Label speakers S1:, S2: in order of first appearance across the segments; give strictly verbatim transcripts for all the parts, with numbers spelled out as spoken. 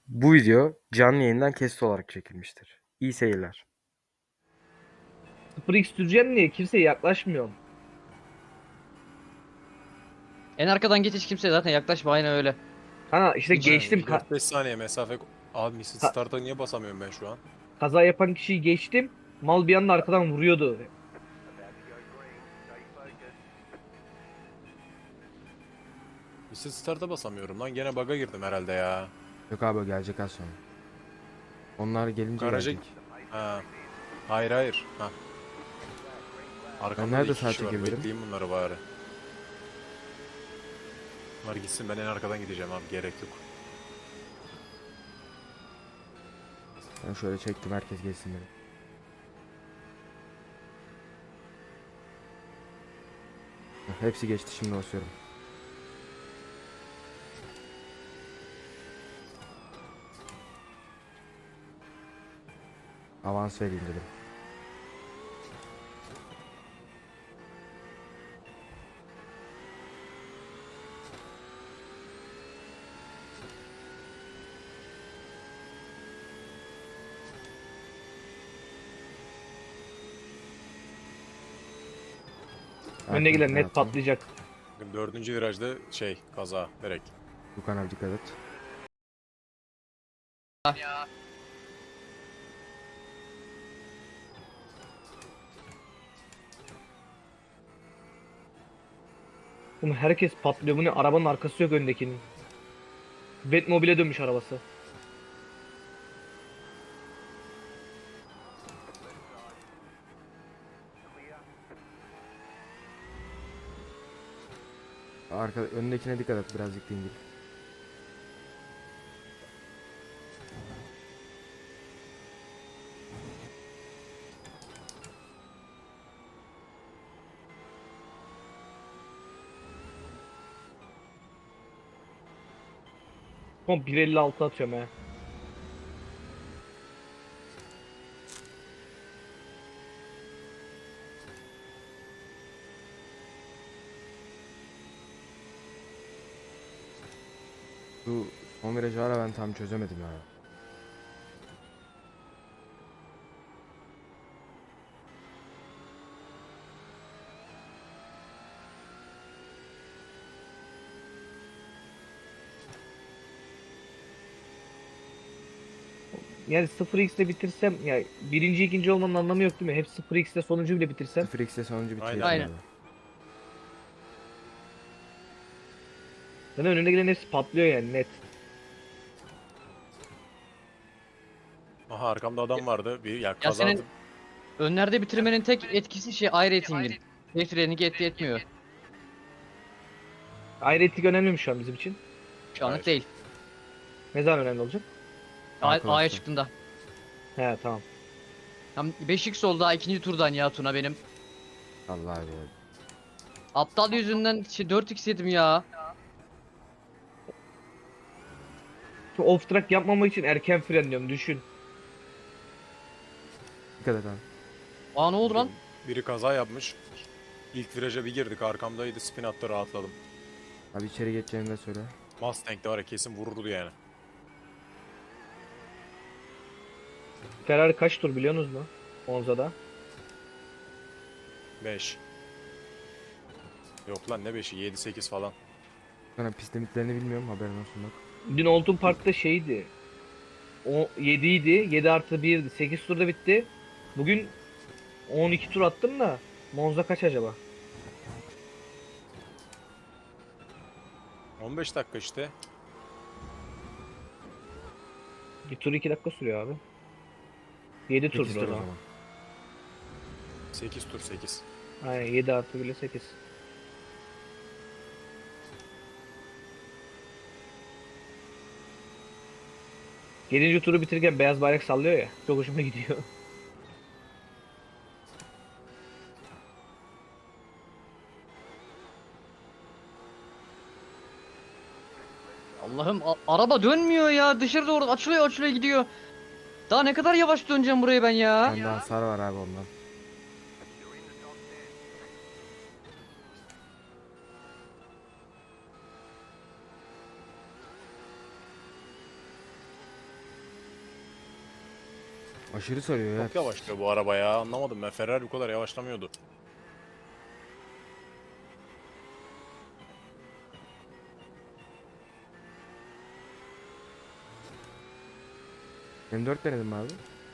S1: Bu video canlı yayından kesit olarak çekilmiştir. İyi seyirler.
S2: sıfır x süreceğim diye kimseye yaklaşmıyorum.
S3: En arkadan git, hiç kimseye zaten yaklaşma, aynen öyle.
S2: Ha işte
S3: Hiç
S2: geçtim.
S4: Yani
S2: Ka-
S4: dört beş saniye mesafe... Abi Missit
S2: ka-
S4: Start'a niye basamıyorum ben şu an?
S2: kaza yapan kişiyi geçtim. Mal bir anda arkadan vuruyordu.
S4: Missit Start'a basamıyorum lan. Gene bug'a girdim herhalde ya.
S1: Yok abi o gelecek az sonra. Onlar gelince
S4: Garaja...
S1: gelecek.
S4: Ha. Hayır hayır. Ha. Arkamda da
S1: nerede
S4: iki
S1: sağa
S4: kişi var.
S1: çekebilirim?
S4: Bekleyeyim bunları bari. Bunlar gitsin, ben en arkadan gideceğim abi. Gerek yok.
S1: Ben şöyle çektim, herkes geçsin dedim. Heh, Hepsi geçti, şimdi basıyorum. Avans vereyim dedim.
S2: Önüne gelen net
S1: Hayatım.
S2: patlayacak.
S4: Bakın dördüncü virajda şey kaza direkt.
S1: Dukan abi dikkat et.
S2: Oğlum herkes patlıyor. Bu ne? Arabanın arkası yok öndekinin. Batmobile'e dönmüş arabası.
S1: Arka, önündekine dikkat et, birazcık dingil.
S2: Oğlum bir elli altı atıyorum he.
S1: Bu son virajı ara, ben tam çözemedim ya.
S2: Yani sıfır x ile bitirsem ya birinci ikinci olmanın anlamı yok değil mi? Hep sıfır x ile sonuncu bile bitirsem.
S1: sıfır x'de sonuncu bitirelim
S4: Aynen.
S1: abi.
S2: Zaten önüne gelen hepsi patlıyor yani net.
S4: Aha arkamda adam vardı. Bir ya
S3: Ya
S4: kaza...
S3: senin önlerde bitirmenin tek etkisi şey air rating'in. Safe rating'i etki etmiyor.
S2: Ayrıtlık önemli mi şu an bizim için?
S3: Şu anlık
S4: Hayır.
S3: değil.
S2: Ne zaman önemli olacak?
S3: A- A'ya
S1: Arkadaşlar.
S3: çıktığında.
S2: He tamam.
S3: Tam beş x oldu daha ikinci turdan ya Tuna benim.
S1: Allah abi.
S3: Aptal yüzünden şey dört x yedim ya.
S2: Şimdi off track yapmamak için erken frenliyorum düşün.
S1: Dikkat et abi.
S3: Aa, ne oldu lan?
S4: Biri kaza yapmış. İlk viraja bir girdik, arkamdaydı, spin attı, rahatladım.
S1: Abi içeri geçeceğini de söyle.
S4: Mustang de var ya, kesin vururdu yani.
S2: Ferrari kaç tur biliyorsunuz mu? Monza'da.
S4: beş. Yok lan ne beşi, yedi sekiz falan.
S1: Ben pist limitlerini bilmiyorum, haberin olsun bak.
S2: Dün Oldham Park'ta şeydi. O yedi idi. yedi artı birdi. sekiz turda bitti. Bugün on iki tur attım da Monza kaç acaba?
S4: on beş dakika işte.
S2: Bir tur iki dakika sürüyor abi. yedi
S1: sekiz
S2: turdur
S1: tur
S2: o
S1: o
S2: zaman.
S1: zaman.
S4: sekiz tur sekiz.
S2: Aynen yedi artı bile sekiz. yedinci turu bitirirken beyaz bayrak sallıyor ya. Çok hoşuma gidiyor.
S3: Allah'ım, a- araba dönmüyor ya. Dışarıda orada açılıyor açılıyor gidiyor. Daha ne kadar yavaş döneceğim buraya ben ya.
S1: Bende hasar var abi ondan. Aşırı sarıyor ya.
S4: Çok yavaşlıyor bu araba ya. Anlamadım ben. Ferrari bu kadar yavaşlamıyordu.
S1: M dört denedim mi abi?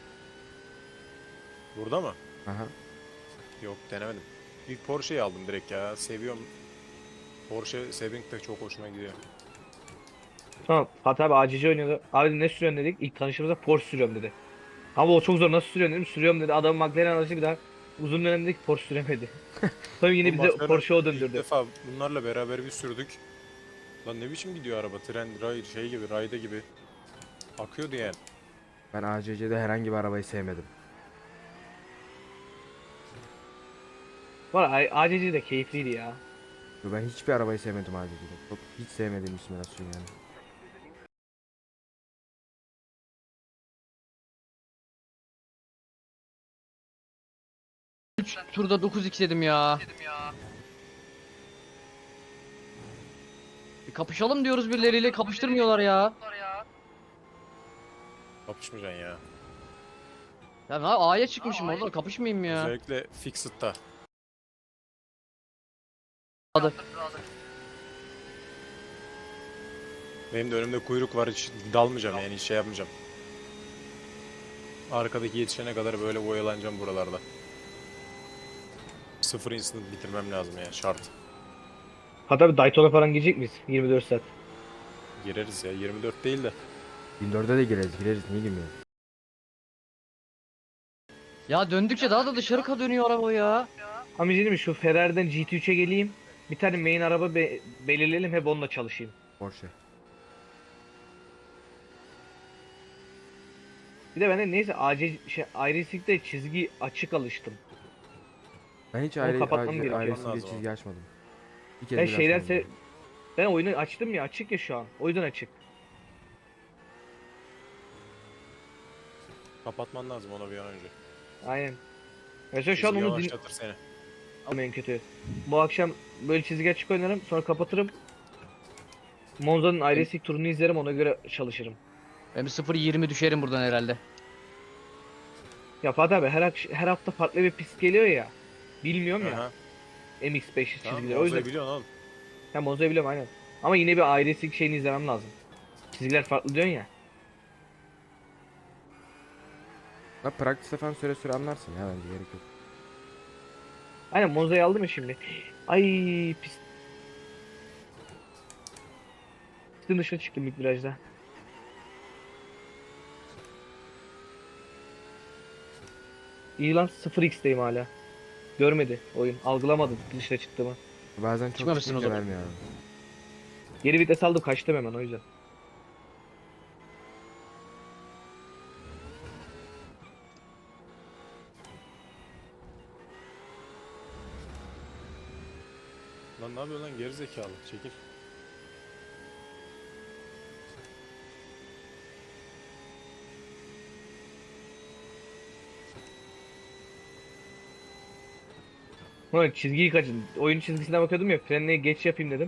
S4: Burada mı?
S1: Aha.
S4: Yok denemedim. İlk Porsche'yi aldım direkt ya. Seviyorum. Porsche Sebring de çok hoşuma gidiyor.
S2: Tamam Fatih abi A C C oynuyordu. Abi ne sürüyorsun dedik. İlk tanıştığımızda Porsche sürüyorum dedi. Ama o çok zor, nasıl sürüyorsun dedim. Sürüyorum dedi. Adam McLaren aracı bir daha uzun dönemde Porsche süremedi. Sonra yine
S4: Oğlum
S2: bize
S4: McLaren
S2: Porsche'ye o
S4: İlk
S2: döndürdü.
S4: defa bunlarla beraber bir sürdük. Lan ne biçim gidiyor araba? Tren, ray, şey gibi, rayda gibi. Akıyordu yani.
S1: Ben A C C'de herhangi bir arabayı sevmedim.
S2: Var A C C de keyifliydi ya.
S1: Yo, ben hiçbir arabayı sevmedim A C C'de. Çok hiç sevmediğim bir simülasyon yani.
S3: üç turda dokuz x dedim ya. Bir kapışalım diyoruz birileriyle, kapıştırmıyorlar ya.
S4: Kapışmayacaksın ya.
S3: Ya ben A'ya çıkmışım orada, kapışmayayım ya.
S4: Özellikle Fixed'da.
S3: Hadi.
S4: Benim de önümde kuyruk var, hiç dalmayacağım yani, hiç şey yapmayacağım. Arkadaki yetişene kadar böyle oyalanacağım buralarda. Sıfır instant bitirmem lazım ya, şart.
S2: Fatih abi Daytona falan gidecek miyiz? yirmi dört saat.
S4: Gireriz ya, yirmi dört değil de.
S1: bin dörde de gireriz gireriz niye girmiyoruz?
S3: Ya döndükçe daha da dışarı ka dönüyor araba ya.
S2: Amca mi şu Ferrari'den G T üçe geleyim. Bir tane main araba be- belirleyelim, hep onunla çalışayım.
S1: Porsche.
S2: Bir de ben de neyse A C şey, iRacing'de çizgi açık alıştım.
S1: Ben hiç
S2: Onu
S1: aile,
S2: kapatmam
S1: aile,
S2: gerekiyor.
S1: ailesinde
S4: Lazım
S1: çizgi açmadım. Bir kez
S2: Ben
S1: bile
S2: şeyler
S1: açmadım.
S2: se ben oyunu açtım ya, açık ya şu an. O yüzden açık.
S4: Kapatman lazım ona bir an önce.
S2: Aynen. Mesela şu an
S4: Çizgi
S2: onu din
S4: yavaşlatır seni.
S2: en kötü. Bu akşam böyle çizgi açık oynarım, sonra kapatırım. Monza'nın iRacing turunu izlerim, ona göre çalışırım.
S3: Ben bir sıfır yirmi düşerim buradan herhalde.
S2: Ya Fatih abi her, ak- her hafta farklı bir pist geliyor ya. Bilmiyorum ya
S4: Aha.
S2: M X beş
S4: Tamam,
S2: çizgileri. O yüzden
S4: Monza'yı biliyorsun oğlum.
S2: ha, Monza'yı biliyorum aynen. Ama yine bir iRacing şeyini izlemem lazım. Çizgiler farklı diyorsun ya.
S1: La practice'e falan süre süre anlarsın ya bence gerek yok.
S2: Aynen Monza'yı aldım ya şimdi. Ay pist. Pistin dışına çıktım ilk virajda. İyi lan sıfır x'teyim hala. Görmedi oyun. Algılamadı dışına çıktığımı.
S1: Bazen çok
S3: Çıkmamışsın o
S1: çıkınca
S3: zaman.
S1: vermiyor abi.
S2: Geri vites aldım, kaçtım hemen o yüzden.
S4: Lan ne yapıyorsun lan, geri zekalı, çekil.
S2: Ulan çizgiyi kaçın. Oyun çizgisine bakıyordum ya, frenle geç yapayım dedim.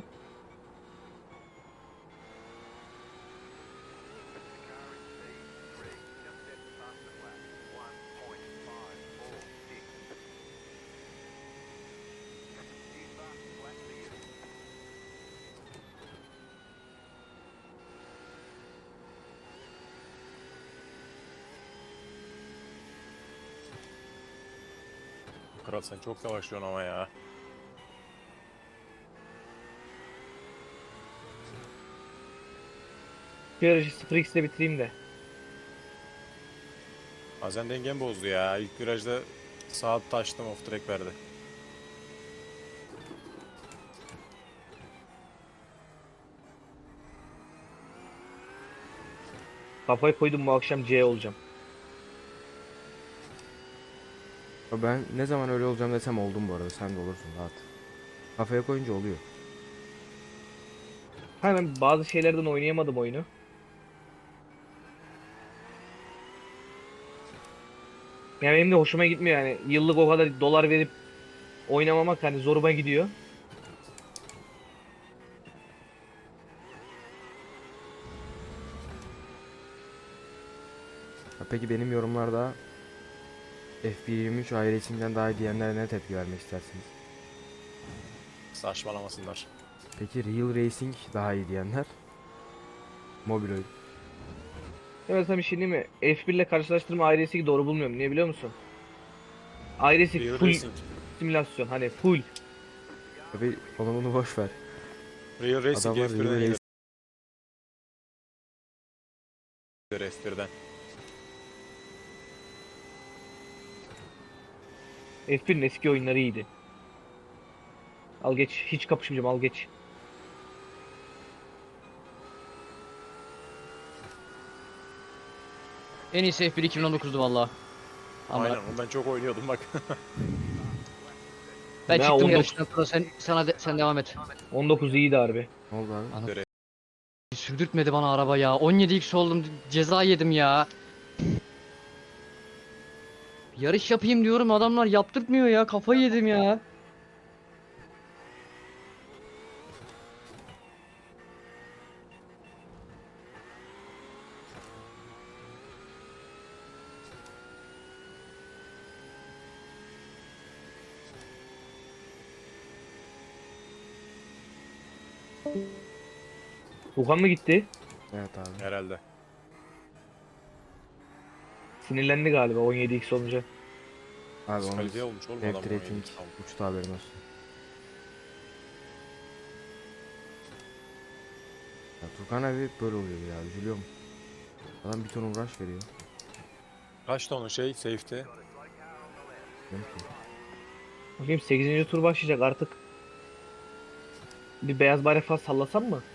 S4: Kral sen çok yavaşlıyorsun ama ya.
S2: Bir aracı sıfır x'le bitireyim de.
S4: Bazen dengem bozdu ya. İlk virajda sağa taştım, off track verdi.
S2: Kafayı koydum, bu akşam C olacağım.
S1: Ya ben ne zaman öyle olacağım desem oldum bu arada. Sen de olursun rahat. Kafaya koyunca oluyor.
S2: Ha ben bazı şeylerden oynayamadım oyunu. Yani benim de hoşuma gitmiyor yani. Yıllık o kadar dolar verip oynamamak hani zoruma gidiyor.
S1: Ha, peki benim yorumlarda F bir yirmi üç iRacing'den daha iyi diyenlere ne tepki vermek istersiniz?
S4: Saçmalamasınlar.
S1: Peki Real Racing daha iyi diyenler? Mobil oyun.
S2: Evet sana bir şey diyeyim mi? F bir ile karşılaştırma iRacing'i doğru bulmuyorum. Niye biliyor musun? iRacing
S4: Real
S2: full
S4: Racing.
S2: simülasyon. Hani full.
S1: Tabii onu bunu boş ver.
S4: Real Racing
S1: Adamlar
S4: F
S1: Real
S4: birden iyidir
S1: Racing.
S4: F birden.
S2: F bir'in eski oyunları iyiydi. Al geç. Hiç kapışmayacağım, al geç.
S3: En iyisi F bir iki bin on dokuz'du valla. Ama
S4: Aynen onu ben çok oynuyordum bak.
S3: ben
S2: Ne,
S3: çıktım
S2: on dokuz
S3: yarıştan sonra sen sana de- sen devam et.
S2: on dokuz iyiydi harbi.
S1: Ne oldu abi?
S3: Ana-
S4: Göre-
S3: Sürdürtmedi bana araba ya. on yedi x oldum. Ceza yedim ya. Yarış yapayım diyorum adamlar yaptırtmıyor ya. Kafayı yedim ya.
S2: Wuhan mı gitti?
S1: Evet abi.
S4: Herhalde.
S2: Sinirlendi galiba on yedi x olunca.
S1: Abi onun
S4: Diskalifiye olmuş oğlum
S1: F
S4: adam.
S1: rating
S4: oynadı. Tamam.
S1: uçtu haberin olsun. Ya Turkan abi böyle oluyor ya, üzülüyorum. Adam bir ton uğraş veriyor.
S4: Kaç tane şey safety?
S1: Diyorum ki,
S2: Bakayım sekizinci tur başlayacak artık. Bir beyaz bayrak falan sallasam mı?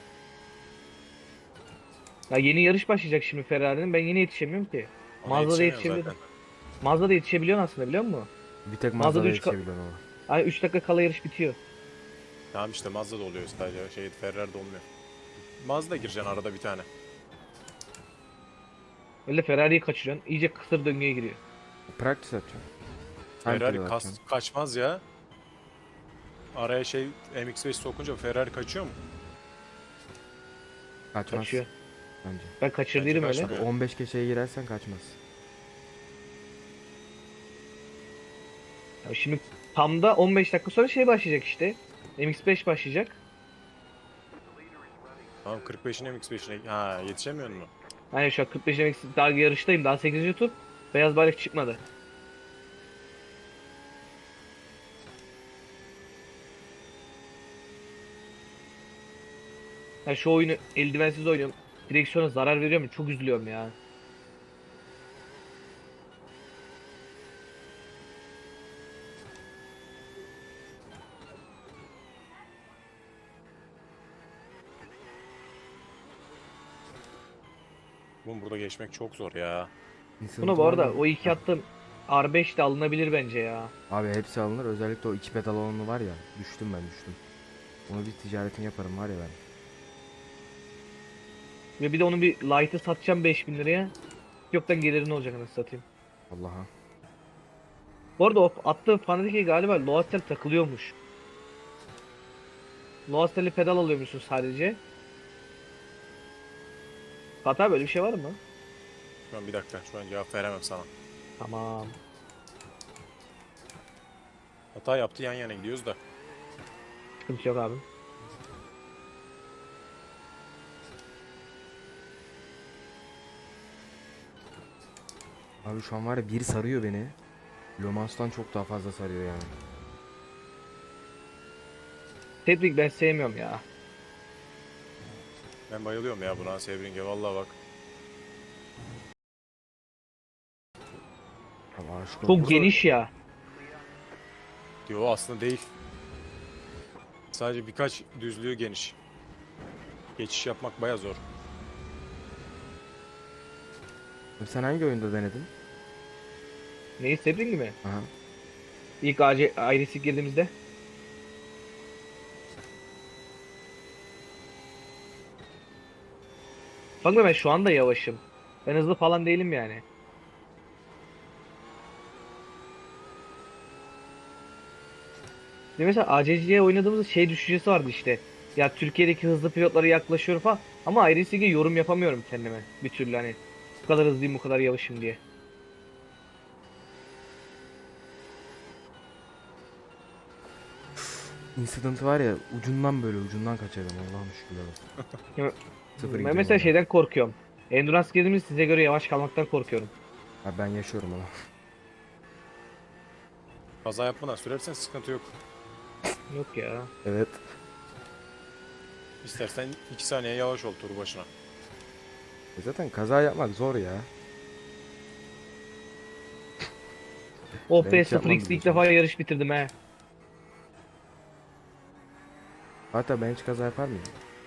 S2: Ya yeni yarış başlayacak şimdi Ferrari'nin. Ben yine yetişemiyorum ki.
S4: Ona
S2: Mazda'da
S4: yetişemiyorsun
S2: yetişebilirim.
S4: zaten.
S2: Mazda'da yetişebiliyorsun aslında, biliyor musun?
S1: bir tek
S2: Mazda'da
S1: Mazda'da
S2: üç ka-
S1: yetişebiliyorsun ama.
S2: Hani üç dakika kala yarış bitiyor.
S4: Tamam işte Mazda'da oluyor sadece. Şey Ferrari'de olmuyor. Mazda gireceksin arada bir tane.
S2: Öyle Ferrari'yi kaçırıyorsun. İyice kısır döngüye giriyor.
S1: Practice atacağım. Time
S4: Ferrari
S1: trial
S4: kas,
S1: atacağım.
S4: kaçmaz ya. Araya şey M X beş sokunca Ferrari kaçıyor mu?
S1: Kaçmaz
S2: Kaçıyor.
S1: bence.
S2: Ben kaçırdıydım
S4: Bence
S2: öyle.
S4: kaçmıyor.
S1: on beş geçeye girersen kaçmaz.
S2: Ya şimdi tam da on beş dakika sonra şey başlayacak işte. M X beş başlayacak.
S4: Tamam kırk beşin M X beşine ha yetişemiyor mu?
S2: Hani şu an kırk beş M X daha yarıştayım. Daha sekizinci tur. Beyaz bayrak çıkmadı. Ya şu oyunu eldivensiz oynuyorum. Direksiyona zarar veriyor mu? Çok üzülüyorum ya.
S4: Oğlum burada geçmek çok zor ya.
S1: Nissan
S2: Buna bu arada
S1: Turan'ın-
S2: o iki attığım R beş de alınabilir bence ya.
S1: Abi hepsi alınır. Özellikle o iki pedal olanı var ya. Düştüm ben düştüm. Onu bir ticaretini yaparım var ya ben.
S2: Ve bir de onun bir light'ı satacağım beş bin liraya. Yoktan gelirin olacak anasını satayım.
S1: Allah'a.
S2: Bu arada o attığım Fanatec'e galiba Loads'tel takılıyormuş. Loadstel'li pedal alıyormuşsun sadece. Hatta böyle bir şey var mı?
S4: Şu an bir dakika şu an cevap veremem sana.
S2: Tamam.
S4: Hata yaptı yan yana gidiyoruz da.
S2: Sıkıntı yok abi.
S1: Abi şu an var ya biri sarıyor beni. Le Mans'tan çok daha fazla sarıyor yani.
S2: Tebrik ben sevmiyorum ya.
S4: Ben bayılıyorum ya buna Sebring'e vallahi bak.
S1: Ama aşkım.
S2: Çok
S4: Burada-
S2: geniş ya.
S4: Yo aslında değil. Sadece birkaç düzlüğü geniş. Geçiş yapmak baya zor.
S1: Sen hangi oyunda denedin?
S2: Neyi Sebring mi?
S1: Aha.
S2: İlk A C ailesi girdiğimizde. Bakma ben şu anda yavaşım. Ben hızlı falan değilim yani. Ve mesela A C C'ye oynadığımızda şey düşüncesi vardı işte. Ya Türkiye'deki hızlı pilotlara yaklaşıyor falan. Ama iRacing'e yorum yapamıyorum kendime bir türlü hani. Bu kadar hızlıyım, bu kadar yavaşım diye.
S1: Incident var ya, ucundan böyle ucundan kaçırdım, Allah'ım şükürler olsun.
S2: Ya,
S1: Sıfır
S2: Ben
S1: gidiyorum
S2: mesela
S1: valla.
S2: şeyden korkuyorum. Endurance girdiğimiz size göre yavaş kalmaktan korkuyorum.
S1: Ha, ben yaşıyorum onu.
S4: Kaza yapmadan sürersen sıkıntı yok.
S2: Yok ya.
S1: Evet.
S4: İstersen iki saniye yavaş ol tur başına.
S1: E zaten kaza yapmak zor ya.
S2: Oh
S1: Ben
S2: be,
S1: hiç
S2: sıfır
S1: yapmam
S2: x'de ilk
S1: biliyorsun.
S2: defa yarış bitirdim he.
S1: Hatta ben hiç kaza yapar mıyım?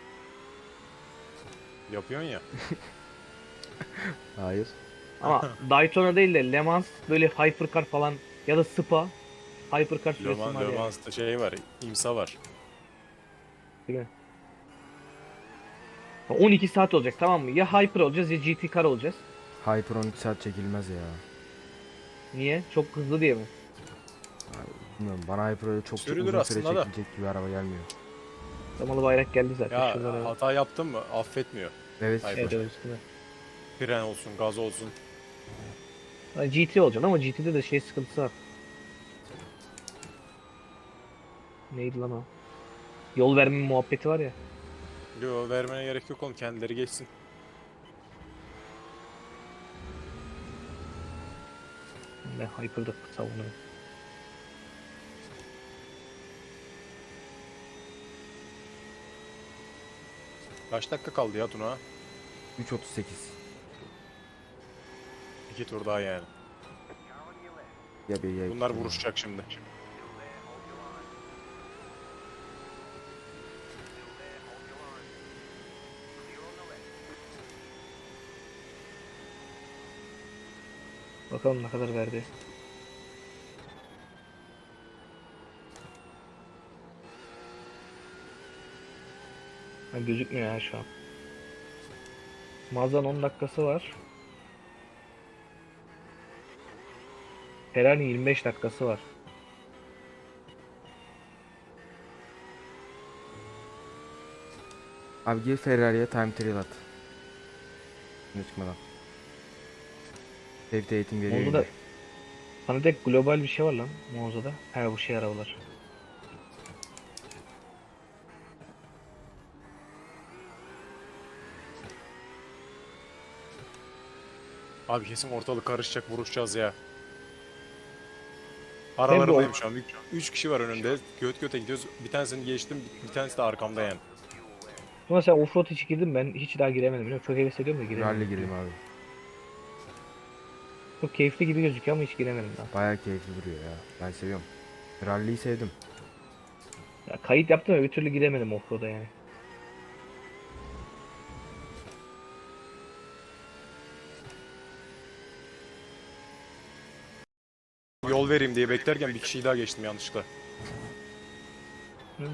S4: Yapıyorsun ya.
S1: Hayır.
S2: Ama Daytona değil de Le Mans böyle Hypercar falan ya da Spa Hypercar
S4: Le
S2: süresim
S4: Mans,
S2: var
S4: Le
S2: yani.
S4: Mans'ta şey var, imsa var.
S2: Değil mi? on iki saat olacak, tamam mı? Ya Hyper olacağız ya G T Car olacağız.
S1: Hyper on iki saat çekilmez ya.
S2: Niye? Çok hızlı diye mi?
S1: Bilmiyorum, bana Hyper öyle çok çok
S4: Sürülür
S1: uzun süre
S4: aslında da.
S1: çekilecek gibi araba gelmiyor.
S2: Damalı bayrak geldi zaten.
S4: Ya
S2: Şuradan evet.
S4: hata yaptın mı affetmiyor.
S1: Evet
S4: Hyper.
S1: işte.
S2: Evet, evet, üstüne.
S4: Fren olsun, gaz olsun.
S2: Ha, G T olacaksın ama G T'de de şey sıkıntısı var. Neydi lan o? Yol verme muhabbeti var ya.
S4: Yo, vermene gerek yok oğlum, kendileri geçsin.
S2: Ben Hyper'da savunuyorum.
S4: Kaç dakika kaldı ya Tuna?
S1: üç otuz sekiz.
S4: İki tur daha yani.
S1: Ya bir ya
S4: Bunlar
S1: iki.
S4: vuruşacak şimdi.
S2: Bakalım ne kadar verdi. Ha, gözükmüyor ya şu an. Mazdan on dakikası var. Ferrari yirmi beş dakikası var.
S1: Abi gir Ferrari'ye time trial at. Ne çıkmadan. Safety eğitim veriyor
S2: Monza'da
S1: yine.
S2: sana de global bir şey var lan Monza'da. He, bu şey arabalar.
S4: Abi kesin ortalık karışacak, vuruşacağız ya.
S2: Ben
S4: Aralarındayım
S2: bu
S4: şu an. Üç, üç kişi var önümde. Göt göte gidiyoruz. Bir tanesini geçtim, bir, bir tanesi de arkamda yani.
S2: Ama sen offroad hiç girdin, ben hiç daha giremedim biliyor musun? Çok heves ediyorum da giremedim.
S1: Rally gireyim abi.
S2: Çok keyifli gibi gözüküyor ama hiç giremedim daha.
S1: Bayağı keyifli duruyor ya. Ben seviyorum. Rally'yi sevdim.
S2: Ya kayıt yaptım ama bir türlü giremedim offroad'a yani.
S4: Yol vereyim diye beklerken bir kişiyi daha geçtim yanlışlıkla.
S2: Hı.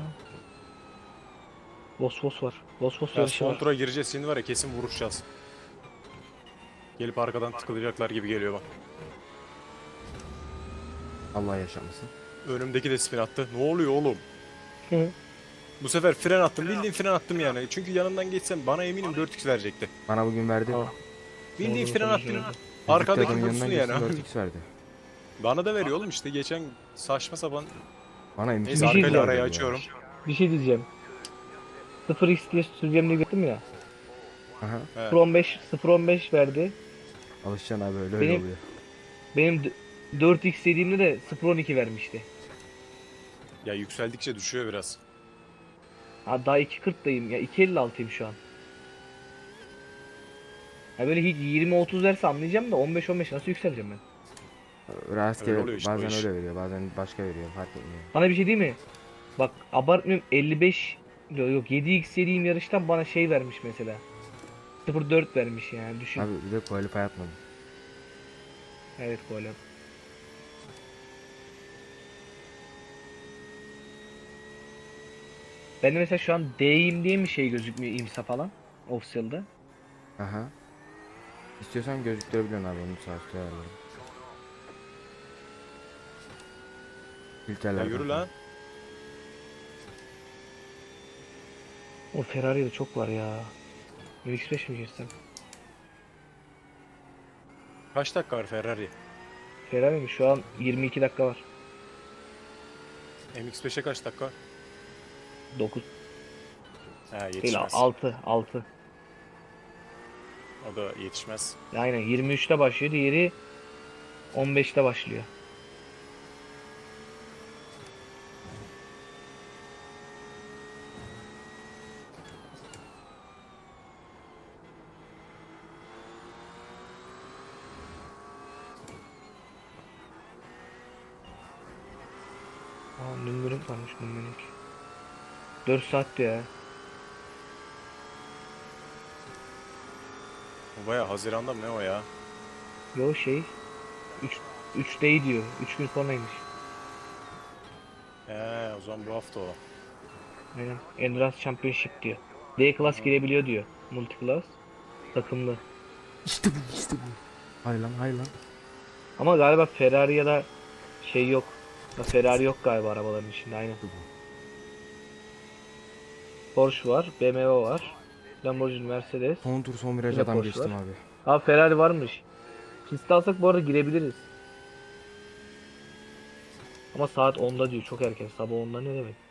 S2: Vosvos var. Vosvos
S4: Ya
S2: yarışı
S4: son
S2: var.
S4: tura gireceğiz şimdi var ya, kesin vuruşacağız. Gelip arkadan tıkılacaklar gibi geliyor bak.
S1: Allah yaşamasın.
S4: Önümdeki de spin attı. Ne oluyor oğlum?
S2: Hı.
S4: Bu sefer fren attım. Bildiğin fren attım yani. Çünkü yanından geçsem bana eminim dört x verecekti.
S1: Bana bugün verdi.
S2: Aa,
S4: Bildiğin
S2: Doğru,
S4: fren
S2: tabii
S4: attım.
S2: ki.
S4: Arkadaki
S1: Adamın
S4: vursun
S1: yanından
S4: yani.
S1: geçtim, dört x verdi.
S4: Bana da veriyor oğlum işte, geçen saçma sapan.
S1: Bana imkan
S4: Neyse
S2: Bir şey
S4: arkayla
S2: diyeceğim.
S4: arayı açıyorum.
S2: Bir şey diyeceğim. sıfır x diye süreceğim diye gittim ya.
S1: Aha.
S4: He.
S2: sıfır on beş sıfır on beş verdi.
S1: Alışacaksın abi, öyle öyle
S2: Benim-
S1: oluyor.
S2: Benim d- dört x dediğimde de sıfır on iki vermişti.
S4: Ya yükseldikçe düşüyor biraz.
S2: Ha, daha iki kırktayım ya, iki elli altıyım şu an. Ya böyle hiç yirmi otuz verse anlayacağım da on beş on beş nasıl yükseleceğim ben?
S1: Rastgele
S4: Öyle oluyor işte o
S1: bazen
S4: iş.
S1: öyle veriyor, bazen başka veriyor, fark etmiyor.
S2: Bana bir şey değil mi? Bak abartmıyorum, elli beş yok yok yedi x yediğim yarıştan bana şey vermiş mesela. sıfır virgül dört vermiş yani, düşün.
S1: Abi bir de qualify yapmadım.
S2: Evet, böyle. Ben de mesela şu an D'yim diye mi şey gözükmüyor imsa falan official'da.
S1: Aha. İstiyorsan gözüktürebiliyorsun abi, onu sağ üstte ayarlarım.
S4: Ya
S1: Filtreler.
S4: yürü lan.
S2: O Ferrari'de çok var ya. M X beş mi girsem?
S4: Kaç dakika var Ferrari?
S2: Ferrari mi? Şu an yirmi iki dakika var.
S4: M X beşe kaç dakika?
S2: dokuz
S4: He
S2: değil,
S4: yetişmez.
S2: altı altı.
S4: O da yetişmez.
S2: Aynen yirmi üçte başlıyor, diğeri on beşte başlıyor. Aa, Nürburgring varmış Nürburgring. dört saatti ya.
S4: O baya Haziran'da mı ne o ya?
S2: Yo şey üç üçte diyor. üç gün sonraymış.
S4: He o zaman bu hafta o.
S2: Aynen. Endurance Championship diyor. D class girebiliyor diyor. Multi class. Takımlı.
S1: İşte bu işte bu. Hay lan hay lan.
S2: Ama galiba Ferrari ya da şey yok. Ya Ferrari yok galiba arabaların içinde, aynen. Porsche var, B M W var. Lamborghini, Mercedes.
S1: Son tur son viraj
S2: Yine
S1: adam
S2: Porsche
S1: geçtim
S2: var.
S1: abi.
S2: Abi Ferrari varmış. Pist alsak bu arada girebiliriz. Ama saat onda diyor, çok erken. Sabah onda ne demek?